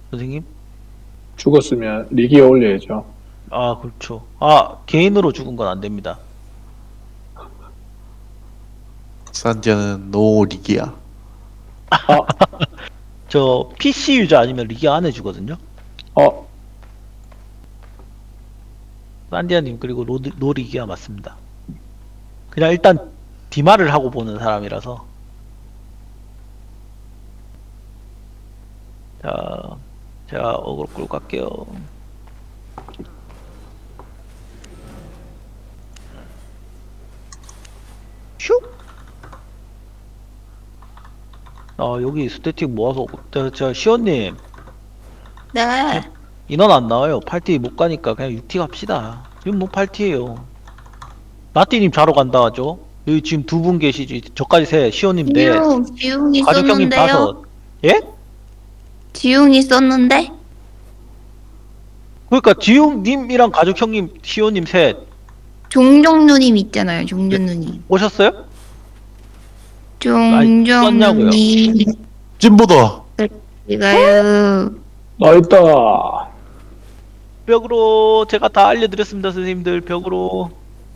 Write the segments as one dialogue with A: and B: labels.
A: 선생님?
B: 죽었으면 리기에 올려야죠.
A: 아, 그렇죠. 아, 개인으로 죽은 건 안 됩니다.
C: 산지아는 노리기야.
B: 아,
A: 저 PC 유저 아니면 리기 안 해주거든요.
B: 어,
A: 산디아님 그리고 노리기아 맞습니다. 그냥 일단 디마를 하고 보는 사람이라서. 자, 제가 어그로 끌고 갈게요. 슉! 여기 스태틱 모아서, 시원님,
D: 네.
A: 인원 안 나와요. 팔티 못 가니까 그냥 6티 갑시다. 지금 뭐 8티에요. 나띠님 자러 간다 하죠? 여기 지금 두 분 계시지. 저까지 셋, 시원님 넷,
D: 지웅
A: 가족 형님
D: 있었는데요.
A: 5. 예?
D: 지웅 있었는데?
A: 그러니까 지웅님이랑 가족 형님, 시원님 셋
D: 종종 누님 있잖아요. 종종 누님.
A: 오셨어요?
D: 종종
A: 썼냐고요?
D: 누님.
C: 찐보다.
D: 제가요.
B: 나 있다.
A: 벽으로 제가 다 알려드렸습니다, 선생님들. 벽으로.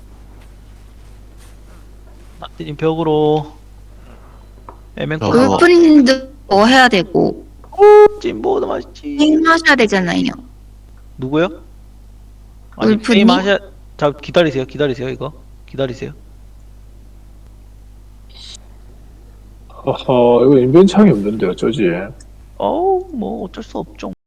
A: 나띠님 벽으로. 에멘코
C: 어.
D: 울프님도 뭐 해야 되고
A: 찐보도 맛있지.
D: 게임 하셔야 되잖아요.
A: 누구요? 아니
D: 울프님?
A: 게임 하셔. 자 기다리세요, 기다리세요. 이거 기다리세요.
B: 어허, 이거 인벤창이 없는데 어쩌지?
A: 어우 뭐 어쩔 수 없죠.